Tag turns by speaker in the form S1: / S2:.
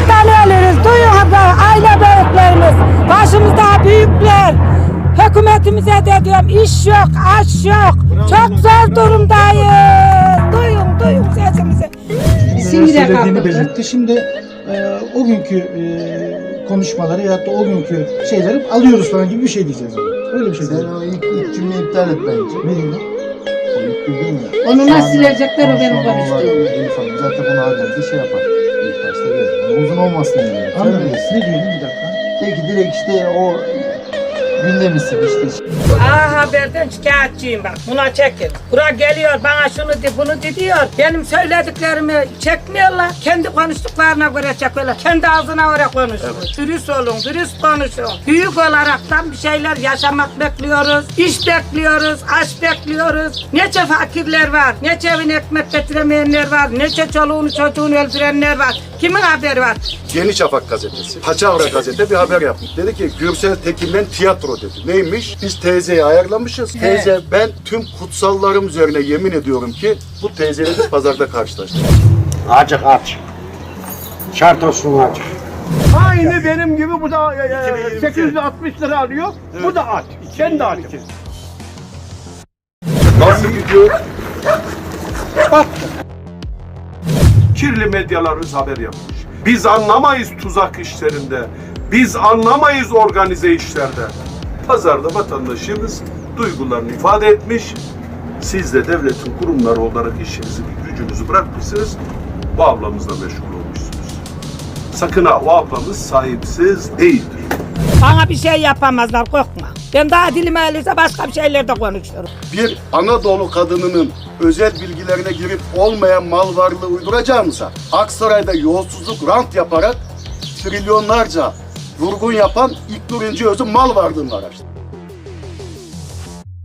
S1: Sırttan ölürüz. Duyun aile büyüklerimiz. Başımızda büyükler. Hükümetimize de diyorum iş yok, aş yok. Çok zor durumdayız. Duyun sesimizi.
S2: Söylediğini belirtti. Şimdi o günkü konuşmaları ya da o günkü şeyleri alıyoruz falan gibi bir şey diyeceğiz. Öyle bir şey
S3: Sen
S2: diyeceğiz.
S3: o ilk cümleyi iptal et bence.
S2: Ne diyeyim?
S3: O ilk dediğin ya.
S4: Onu nasıl silecekler o benim konuştuğum.
S3: Elif Hanım zaten bunu halinde şey yapar. İlk başta verir. Yani uzun olmasın yani.
S2: Anladım. Ne diyordun bir dakika?
S3: Peki direkt işte o gündemisin işte.
S1: Haberden şikayetçiyim bak. Buna çekin. Bura geliyor bana şunu de bunu de diyor. Benim söylediklerimi çekmiyorlar. Kendi konuştuklarına göre çekiyorlar. Kendi ağzına göre konuşuyor. Evet. Dürüst olun, dürüst konuşun. Büyük olaraktan bir şeyler yaşamak bekliyoruz. İş bekliyoruz, aş bekliyoruz. Nece fakirler var, nece evine ekmek getiremeyenler var, nece çoluğunu çocuğunu öldürenler var. Kimin haberi var?
S5: Yeni Şafak gazetesi, Paçavra gazete bir haber yapmış. Dedi ki Gürsel Tekin'den tiyatro dedi. Neymiş? Biz teyzeyi ayarlamışız.
S1: Evet.
S5: Teyze ben tüm kutsallarım üzerine yemin ediyorum ki bu teyzeyle biz pazarda karşılaştık.
S6: Acık aç. Şart olsun acık.
S7: Aynı benim gibi bu da 860 lira alıyor. Bu da aç. Sen de aç.
S5: Nasıl gidiyor?
S7: Kirli medyalar öz haber yapmış. Biz anlamayız tuzak işlerinde. Biz anlamayız organize işlerde. Pazarda vatandaşımız duygularını ifade etmiş. Siz de devletin kurumları olarak işinizi, gücünüzü bırakmışsınız. Bu ablamızla meşgul olmuşsunuz. Sakın ha, o ablamız sahipsiz değildir.
S1: Bana bir şey yapamazlar korkma. Ben daha dilim eğilirse başka bir şeylerde konuşurum.
S5: Bir Anadolu kadınının özel bilgilerine girip olmayan mal varlığı uyduracağımıza Aksaray'da yolsuzluk, rant yaparak trilyonlarca vurgun yapan İlknur İnceöz'ün mal varlığını araştırdı.